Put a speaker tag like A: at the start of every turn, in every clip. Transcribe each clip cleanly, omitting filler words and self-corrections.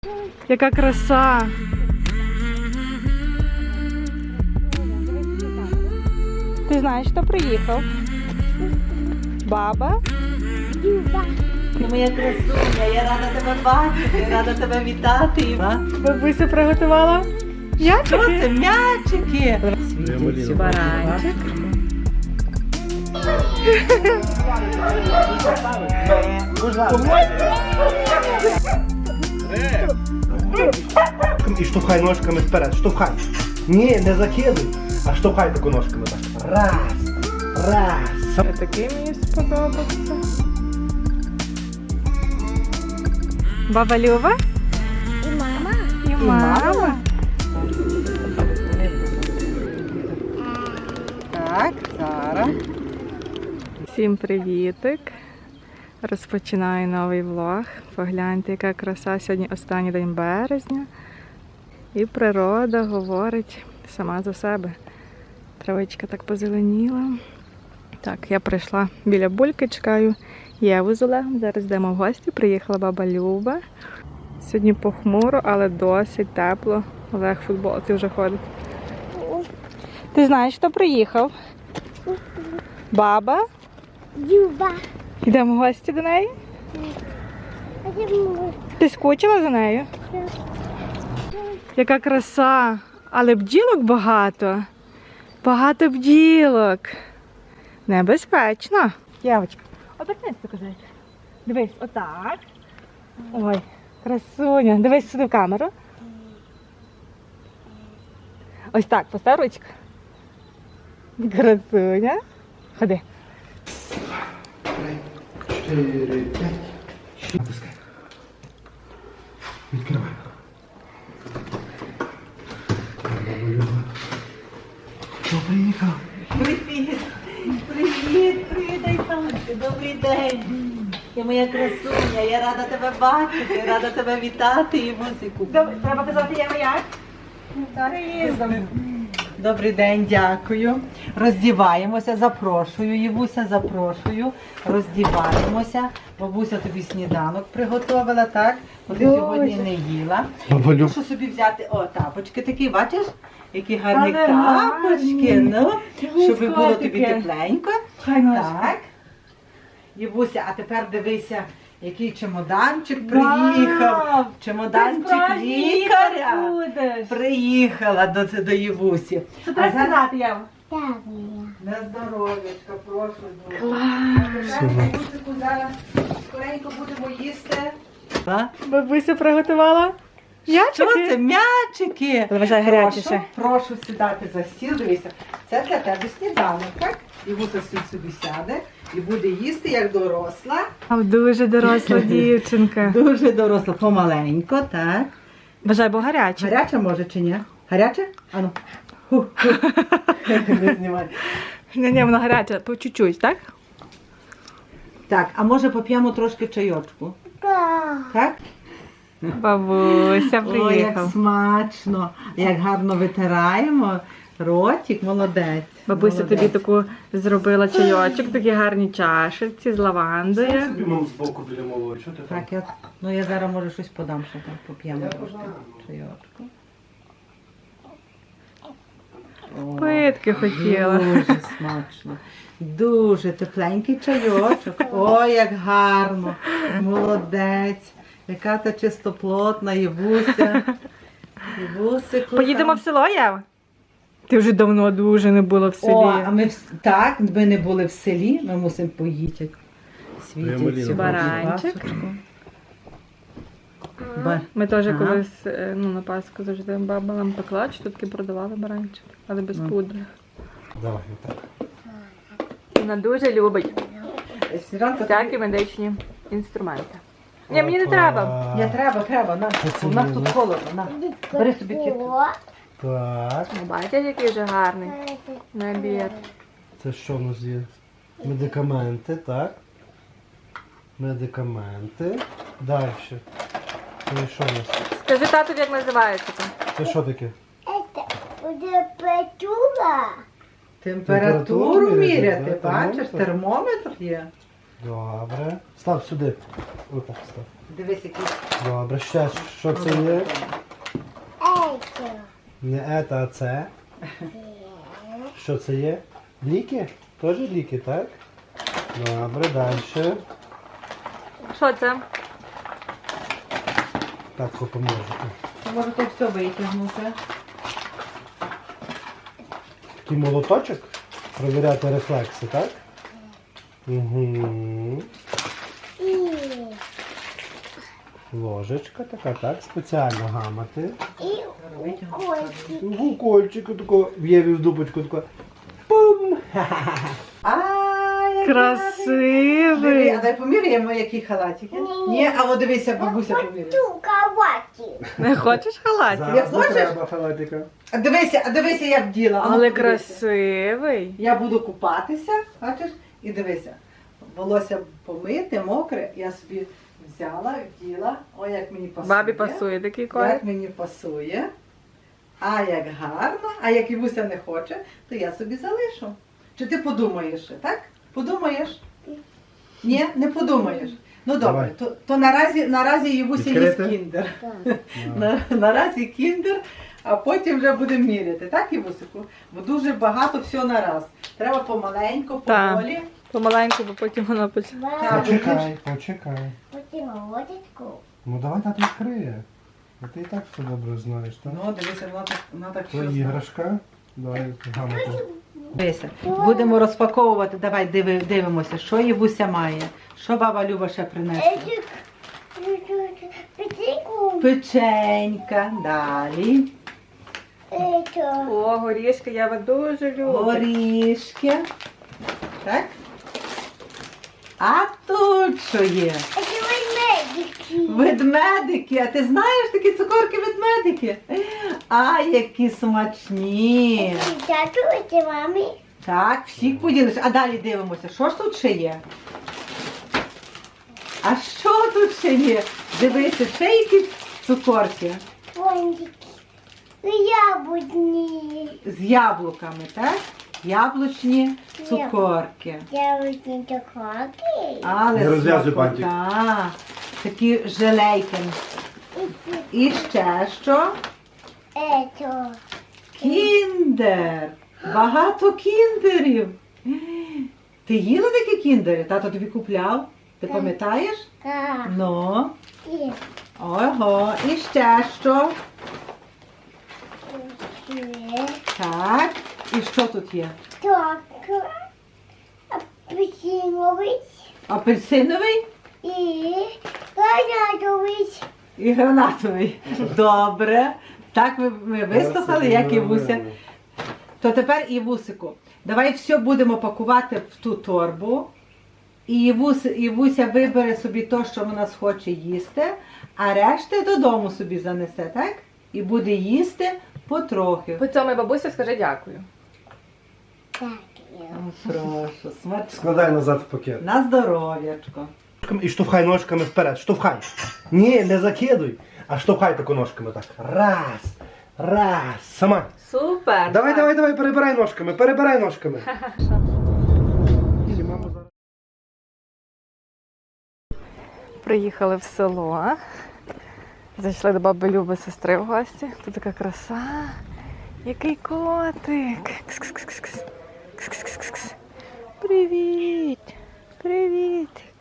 A: Яка краса! Ти знаєш, хто приїхав? Баба?
B: Люба. Ти моя красуня, я рада тебе бачити, рада тебе вітати.
A: Бабуся приготувала м'ячики?
B: Що це? М'ячики!
A: Світить баранчик.
C: І штовхай ножками вперед, штовхай. Ні, не закидуй, а штовхай таку ножками так. Раз, раз.
A: Такий мені сподобався. Баба Люба?
B: І мама.
A: І мама.
B: Так, Сара.
A: Всім привітик. Розпочинаю новий влог. Погляньте, яка краса. Сьогодні останній день березня. І природа говорить сама за себе. Травичка так позеленіла. Так, я прийшла біля бульки, чекаю Єву з Олегом. Зараз йдемо в гості. Приїхала баба Люба. Сьогодні похмуро, але досить тепло. Олег в футболці вже ходить. Ти знаєш, хто приїхав? Баба?
B: Люба.
A: Йдемо в гості до неї? Ти скучила за нею? Яка краса! Але бджілок багато. Багато бджілок. Небезпечно. Євочка, обернись до козачка. Дивись, отак. Ой, красуня. Дивись сюди в камеру. Ось так, постав ручку. Красуня. Ходи.
C: 4, 5. Натискай. Відкривай. Хто приїхав?
B: Привіт. Привіт, привіт, Айтанці. Добрий день. Ти моя красуня, я рада тебе бачити, рада тебе вітати і музику.
A: Треба казати Єва як?
B: Добрий день, дякую. Роздіваємося, запрошую, Євуся, запрошую. Роздіваємося. Бабуся тобі сніданок приготувала, так? Бо ти сьогодні не їла.
C: Баба Люб.
B: Що собі взяти? О, тапочки такі, бачиш? Які гарні
A: Але
B: тапочки.
A: гарні.
B: Ну, щоб було тобі
A: котики.
B: тепленько. Так. Євуся, а тепер дивися, який чемоданчик приїхав. Чемоданчик лікаря. Приїхала до Євусі.
A: Що треба сказати, Єва?
B: На здоров'ячка, прошу дуже. Клас! Музику зараз скоренько будемо їсти.
A: Бабуся приготувала м'ячики?
B: Що це? М'ячики!
A: Вважай гарячіше.
B: Прошу сідати за стіл, дивися. Це для тебе сніданок, так? Євуся собі сяде і буде їсти, як доросла.
A: Дуже доросла дівчинка.
B: Дуже доросла, помаленько, так.
A: Бажай, бо гаряче.
B: Гаряча може чи ні? Гаряче? Ану. Не знімай.
A: Ні, воно гаряче, по чуть-чуть, так?
B: Так, а може поп'ємо трошки чайочку? Так?
A: Бабуся
B: Ой, як
A: приїхав.
B: смачно, як гарно витираємо. Ротик, молодець.
A: Бабуся
B: молодець.
A: тобі таку зробила чайочок, такі гарні чашечці з лавандою.
C: Собі мав збоку біля малої, що ти там?
B: Так, я зараз може щось подам, що там поп'ємо трошки чайочку. О,
A: Питки хотіла.
B: Дуже смачно. Дуже тепленький чайочок. Ой, як гарно. Молодець. Яка та чистоплотна Євуся. Євусику.
A: Поїдемо в село, Єва? Ти вже давно дуже не була в селі.
B: О, а ми так, ми не були в селі, ми мусимо поїти. Світять цю
A: Баранчик.
B: пасочку.
A: Ми теж
B: Ага.
A: колись на Пасху завжди баба нам пекла, чи тут бродавали баранчик, але без пудри.
C: Давай, так.
A: Вона дуже любить
B: Сніданка,
A: всякі медичні інструменти. Ні, мені не треба.
B: Ні, треба, на. У нас тут холодно, на. Бери собі кітку.
C: Так,
A: Ну, бачите, який вже гарний набір.
C: це що в нас є? Медикаменти, так? Медикаменти. Далі. Це що в нас?
A: Скажи тату, як називається там.
C: Це що таке?
B: Температуру
C: міряти,
B: міряти,
C: так,
B: бачиш,
C: термометр.
B: термометр є.
C: Добре. Став сюди. Отак став.
B: Дивись, який.
C: Добре, ще що це є? Не ета, а це. Що це є? Ліки? Теж ліки, так? Добре, далі.
A: Що це?
C: Так, допоможу.
B: Може то все витягнути.
C: Такий молоточок. Провіряти рефлекси, так? Угу. Ложечка така, так, спеціально гамати. Укольчик тако в'єві в дупочку тако. Пум!
B: А, який
A: Красивий.
B: гарний. А дай поміряємо, які халатики. Ні, а от дивися, бабуся поміряє.
A: Не хочеш халатик?
C: Зараз не
B: хочеш?
C: треба халатика.
B: А дивися, я вділа. А ну,
A: Але
B: подивися.
A: красивий.
B: Я буду купатися, бачиш, і дивися. Волосся помите, мокре, я собі взяла, вділа. Ой, як мені пасує.
A: Бабі пасує такий колір.
B: Як мені пасує. А як гарно, а як Івуся не хоче, то я собі залишу. Чи ти подумаєш ще, так? Подумаєш? Ні, не подумаєш. Ну добре,
C: Давай.
B: то наразі Івуся їсть
C: Відкрити?
B: кіндер. Наразі кіндер, а потім вже будемо міряти, так, Івусику? Бо дуже багато всього нараз. Треба помаленьку,
A: Так.
B: поволі.
A: Помаленьку, бо потім воно почне.
B: Так,
C: Почекай, почекай. Ну давай тато відкриє. А ти і так все добре знаєш, так?
B: Ну, дивися, вона так
C: Це
B: все знає.
C: іграшка. Давай гамати.
B: Дивися, будемо розпаковувати, давай дивимося, що Євуся має. Що баба Люба ще принесла? Печенька, далі,
A: О, горішки я вас дуже люблю.
B: горішки, так? А тут що є? Ведмедики, а ти знаєш такі цукорки ведмедики? А, які смачні. Так, всіх поділиш. А далі дивимося, що ж тут ще є? А що тут ще є? Дивися, ще якісь цукорки з яблуками, так? Яблучні цукорки. Але
C: Не розв'язуй
B: смакота.
C: бантик.
B: Такі желейки. І ще що? Кіндер. Багато кіндерів. Ти їла такі кіндери? Тато тобі купляв? Ти пам'ятаєш? Ну. Ого. І ще що? Так. І що тут є? Апельсиновий і гранатовий. Добре. Так ми вислухали, як Івуся. То тепер Івусику, давай все будемо пакувати в ту торбу. І Івуся вибере собі те, що вона схоче їсти, а решти додому собі занесе, так? І буде їсти потрохи.
A: По цьому бабуся скажи дякую.
B: Прошу, смачно.
C: Складай назад в пакет.
B: На здоров'ячко.
C: І штовхай ножками вперед, штовхай. Ні, не закидуй, а штовхай тако ножками так. Раз, раз, сама.
A: Супер.
C: Давай, перебирай ножками, перебирай ножками.
A: Приїхали в село. Зайшли до баби Люби сестри в гості. Тут така краса. Який котик. Кс-кс-кс-кс. Кс-кс-кс-кс. Привіт. Привітик.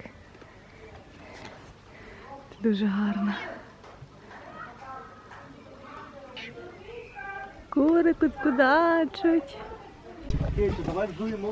A: Ти дуже гарна. Кури тут кудачуть.
C: Давай взуємо.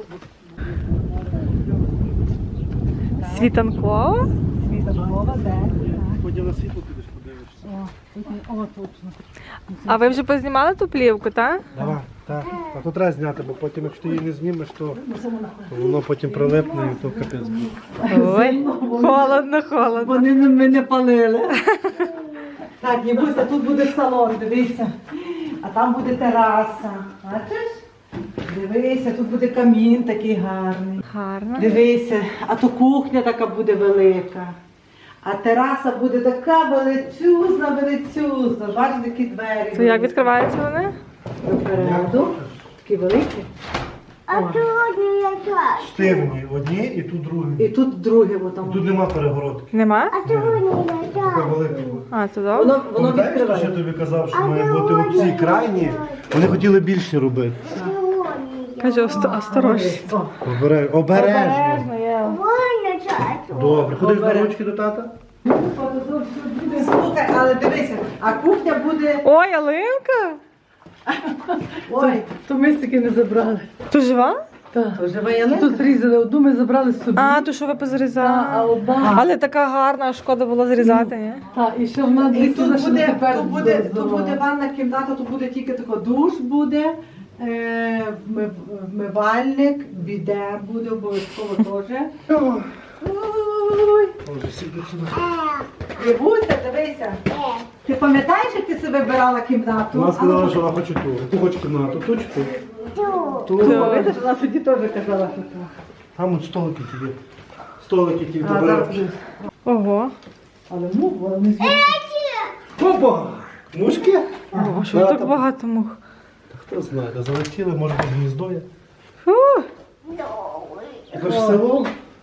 A: Світанкова?
C: Потім на світло підеш, подивишся.
B: О, точно.
A: А ви вже познімали ту плівку, так?
C: Давай, так. А то треба зняти, бо потім, якщо ти її не знімеш, то воно потім прилипне і то капець буде.
A: Ой, холодно, холодно.
B: Вони мене палили. Так, Євуся, тут буде салон, дивися. А там буде тераса. Бачиш? Дивися, тут буде камін такий гарний.
A: Гарно.
B: Дивися, а то кухня така буде велика. А тераса буде така величезна, величезна. Бачиш, такі двері.
A: То як відкриваються вони?
B: Допереду. Такі великі.
C: Штивні одні і тут другі.
B: І тут друге, бо там.
C: Тут нема перегородки.
A: Нема?
C: Така велика. була.
A: А, це добре.
B: Воно
C: Пам'ятаєш, що я
B: відкриває.
C: тобі казав, що має бути оці крайні? Вони хотіли більше робити.
A: Каже, осторожно.
B: О,
C: Обережно.
A: Обережно, я.
C: Добре. Ходиш на ручки до тата?
B: Слухай, але дивися, а кухня буде.
A: Ой, ялинка!
B: Ой,
D: То ми таки не забрали.
A: Ти жива?
D: Так.
B: живе ялинка.
D: Тут зрізали одну, ми забрали собі.
A: А, то що ви
D: а
A: позрізали?
D: одна.
A: Але така гарна, шкода було зрізати, ні?
D: Так, і ще вона
B: І
D: дві
B: тут
D: що
B: буде,
D: тепер
B: тут буде ванна кімната, тут буде тільки тако душ буде, вмивальник, біде буде обов'язково теж. Ой. Євуся, дивися. Ти пам'ятаєш, як ти себе вибирала кімнату?
C: Вона сказала, що вона хоче ту. Яку хоче кімнату? Ту чи ту? Ту.
B: Видиш, вона тоді теж казала, що так.
C: Там от столики ті є. Столики ті
B: А, зараз
C: добре.
B: буде.
A: Ого.
B: Але мух, вона не звідси.
C: Опа! Мушки?
A: О, що так багато мух?
C: Та хто знає, та залетіли, може під гніздо є.
A: Фу.
C: Це ж село?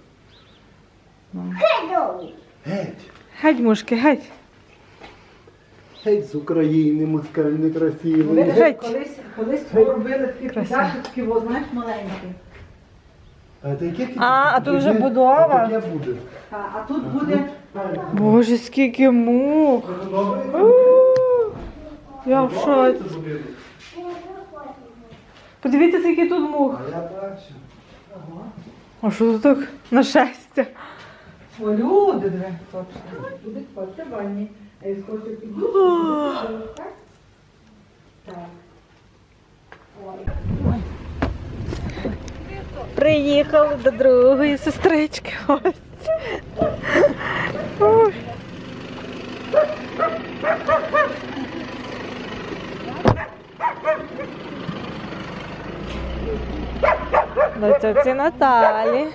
C: Геть.
A: Геть, мушки, геть.
C: Геть з України, москаль некрасивий.
B: Видиш,
A: Геть.
B: колись робили такі
A: Красиво.
B: підашечки, во, знаєш, маленькі.
C: А це яке
A: А тут вже будова.
C: Таке буде.
B: А тут буде.
A: Боже, скільки мух. У, Я в шоці. Подивіться, скільки тут мух.
C: А я бачу.
A: А що тут так нашестя?
B: О, люди, диви, точно. Люди ходьте в ванні. А я скажу, піду. Так? Так.
A: Приїхали до другої сестрички. Ось. Ой. До тьоті Наталі.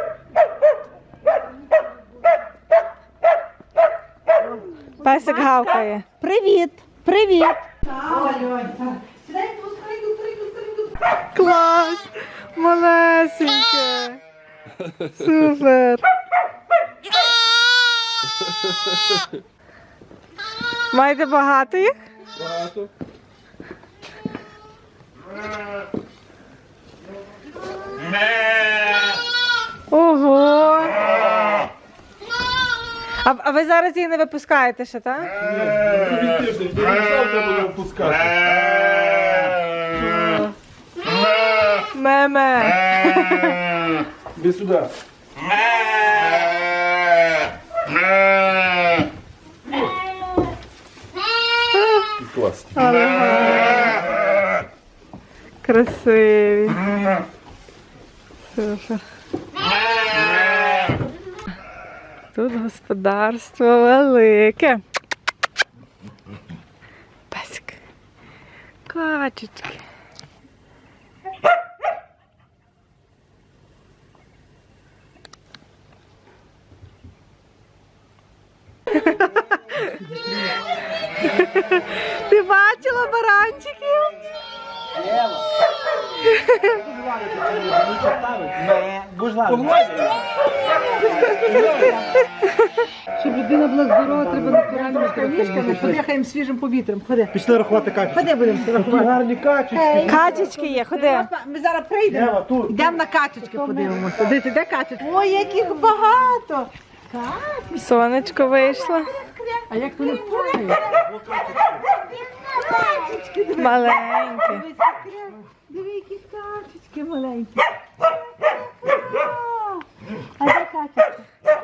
A: Песик гавкає. Привіт! Привіт!
B: Ой, так. Сідай, пускай.
A: Клас! Малесеньке! Супер! Маєте багато їх?
E: Багато.
A: Ого! А ви зараз їх не випускаєте ще, так?
E: Другий тиждень, завтра будемо пускати.
A: Меме!
E: Іди сюди. Клас.
A: Красиві. Супер. Тут господарство велике. Песик. Качечки. Ти бачила баранчиків?
D: Щоб людина була здорова, треба натуральні
B: Мішками, подихаємо свіжим повітрям. Ходи.
C: Пішли рахувати качечки.
B: Ходи будемо
C: Такі
B: рахувати.
C: гарні качечки.
A: Качечки є, ходи.
B: Ми зараз прийдемо.
C: Ева, тут.
B: Йдемо на качечки подивимося. Де качечки? Ой, яких багато.
A: Сонечко вийшло.
B: А як вони впорають?
A: Маленькі.
B: Диви, які качечки маленькі. А де качечки?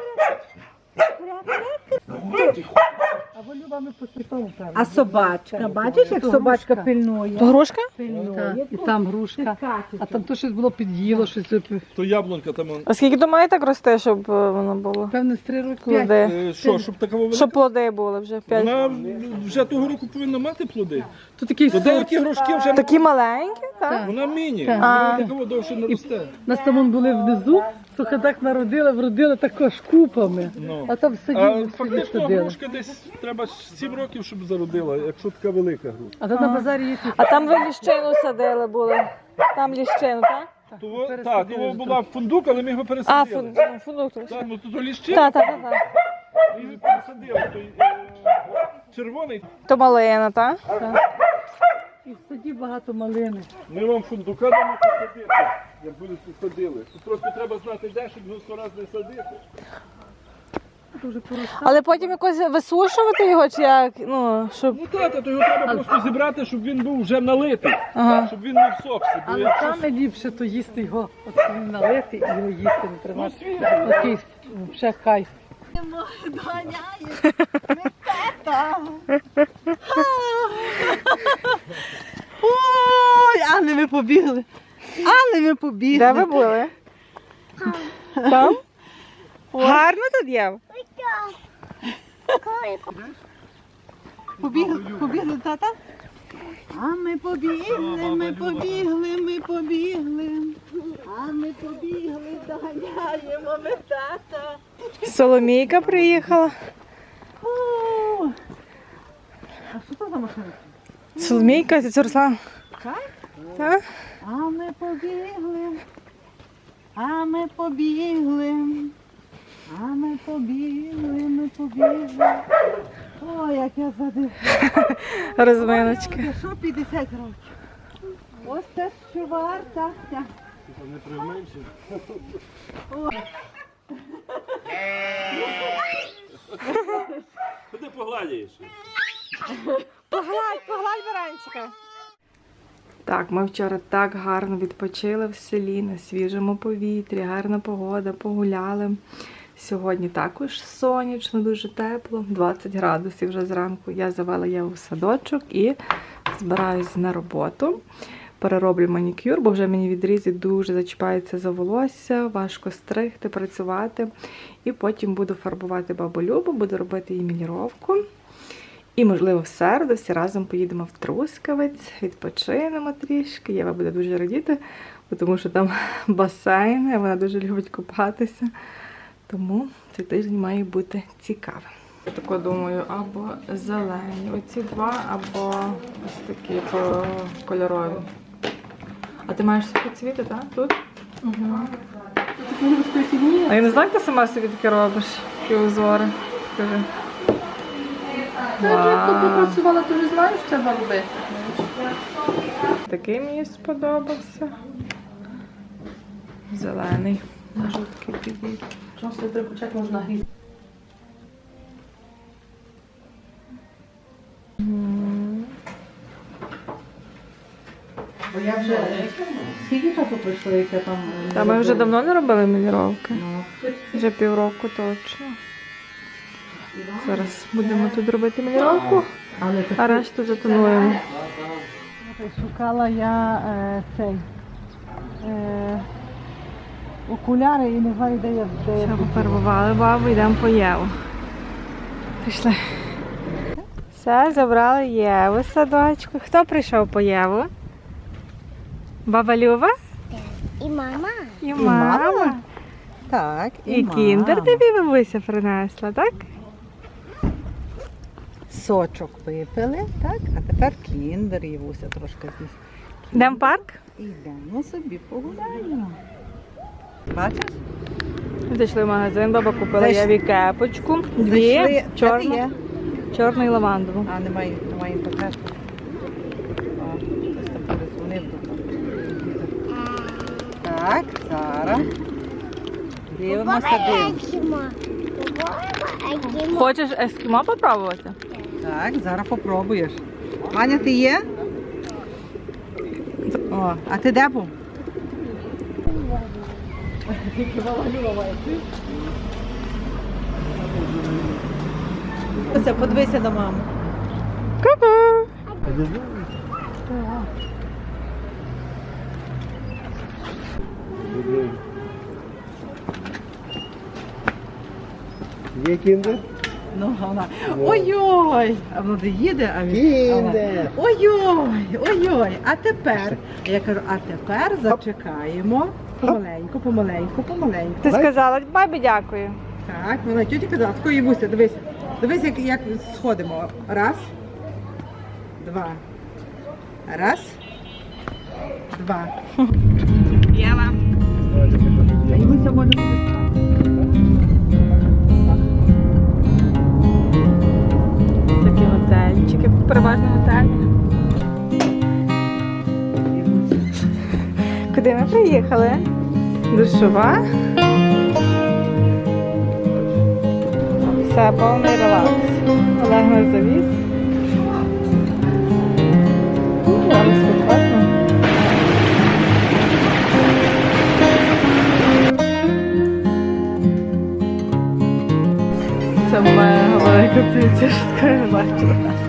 D: Або Люба ми посипали там.
B: А собачка, бачиш, як собачка пильнує?
A: То грушка?
B: Пильнує.
D: І там грушка. А там то щось було під'їло, щось.
E: То яблунка там.
A: А скільки то має так рости, щоб воно було?
D: Певне, з 3 роки.
A: Плоди.
E: Що, щоб такого велика?
A: Щоб плоди були вже 5.
E: Вона вже того року повинна мати плоди.
D: То такий
E: То
D: сорт.
E: деякі грушки вже
A: Такі маленькі, так?
E: вона міні.
D: Так.
E: Вона такого довше не росте.
D: Нас там були внизу, трохи так народили, вродили також купами.
E: Ну.
D: А там в саді
E: А
D: ми всі
E: фактично
D: відсадили.
E: грушка десь треба 7 років, щоб зародила, якщо така велика грушка.
D: А то на базарі є ті.
A: А там ви ліщину садили були. Там ліщину, так?
E: Того,
D: пересадили
E: того
D: вже
E: була фундук, але ми його
A: А,
E: пересадили.
A: фундук.
E: Так, ну то ліщина,
A: Так, так, так.
E: ми його пересадили. Той, червоний.
A: То малина, так?
D: І в саді багато малини.
E: Ми вам фундука дамо посадити, як будете садили. Тут просто треба знати, де, щоб його 100 разів не садити.
D: Дуже поростав.
A: Але потім якось висушувати його, чи як? Ну, щоб...
E: Ну так, то його треба просто зібрати, щоб він був вже налитий,
A: Ага.
E: щоб він не всохся. Бо
D: Але
E: якщо
D: саме ліпше то їсти його, от коли налити і його їсти не тримати.
E: свіжий.
D: Такий ще кайф.
B: Ой, але ми побігли. Але ми побігли.
A: Де ви були? Там? Гарно тут є?
B: Побігли, тата? А ми побігли, ми побігли, ми побігли. А ми побігли, доганяємо ми тата.
A: Соломійка приїхала.
B: О, а що це за машина?
A: Соломійка, це Руслан.
B: Так?
A: Так?
B: А ми побігли. А ми побігли. А ми побігли, ми побігли. Ой, як я задихала.
A: Розминочка.
B: Ой, що 50 років? Ось це що варта.
E: Не приймаємося. Куди погладяєш?
A: Погладь баранчика. Так, ми вчора так гарно відпочили в селі, на свіжому повітрі, гарна погода, погуляли. Сьогодні також сонячно, дуже тепло, 20 градусів вже зранку. Я завела Єву в садочок і збираюсь на роботу. Перероблю манікюр, бо вже мені відрізи дуже зачіпаються за волосся, важко стригти, працювати. І потім буду фарбувати бабу Любу, буду робити їй міліровку. І, можливо, в середу всі разом поїдемо в Трускавець, відпочинемо трішки. Єва буде дуже радіти, тому що там басейн, і вона дуже любить купатися. Тому цей тиждень має бути цікавим. Я тако думаю, або зелені, оці два, або ось такі кольорові. А ти маєш свої цвіти, так? Тут? Угу. А я не знаю, як ти сама собі таке робиш, такі узори. Скажи.
D: Як ти попрацювала, то вже знаєш, що треба робити.
A: Такий мені сподобався. Зелений. На жовткий підійде.
D: Просто треба почати можна гріти.
B: Бо я вже скільки часу пройшло, як я там.
A: Та ми вже давно не робили міліровки. Вже півроку точно. Зараз будемо тут робити міліровку,
B: Але
A: а решту затонуємо.
B: шукала я окуляри і не знаю, де я.
A: Все, пофарбували бабу, йдемо по Єву. Пішли. Все, забрали Єву з садочку. Хто прийшов по Єву? Баба Люба?
F: І мама.
A: І
B: мама?
A: мама.
B: Так,
A: І кіндер тобі бабуся принесла, так?
B: Сочок випили, так? А тепер кіндер Євуся трошки з'їсть.
A: Йдемо в парк?
B: Ідемо собі погуляємо. Бачиш?
A: Зайшли в магазин, баба купила
B: Зайшли.
A: Єві кепочку.
B: Зайшли.
A: Дві,
B: Де ти
A: чорну,
B: є?
A: чорну і лавандову.
B: А, немає інтернету. О, хтось там перезвонив. Так, зараз. Дивимося, дивимося.
A: Хочеш ескімо попробувати?
B: Так, зараз попробуєш. Ваня, ти є? О, а ти де був? Подивися на маму.
A: Ку-ку!
C: Є кіндер?
B: Ну, вона. Ой-ой! А воно де їде, а він.
C: Кіндер!
B: Ой-ой! Ой-ой! А тепер, я кажу, а тепер зачекаємо. Помаленьку, помаленьку, помаленьку.
A: Ти сказала, бабі дякую.
B: Так, вона тьоті казала, тако Євуся, дивися. Дивись, як сходимо. Раз, два. Раз, два.
A: Єва.
B: А Івуся може буде спати.
A: Такі готельчики, переважно готелі. Куди ми приїхали? Душова. Все, повний релакс. Олег нас завіз. Там спокійно. Це мега велика птиця, що такого не бачила.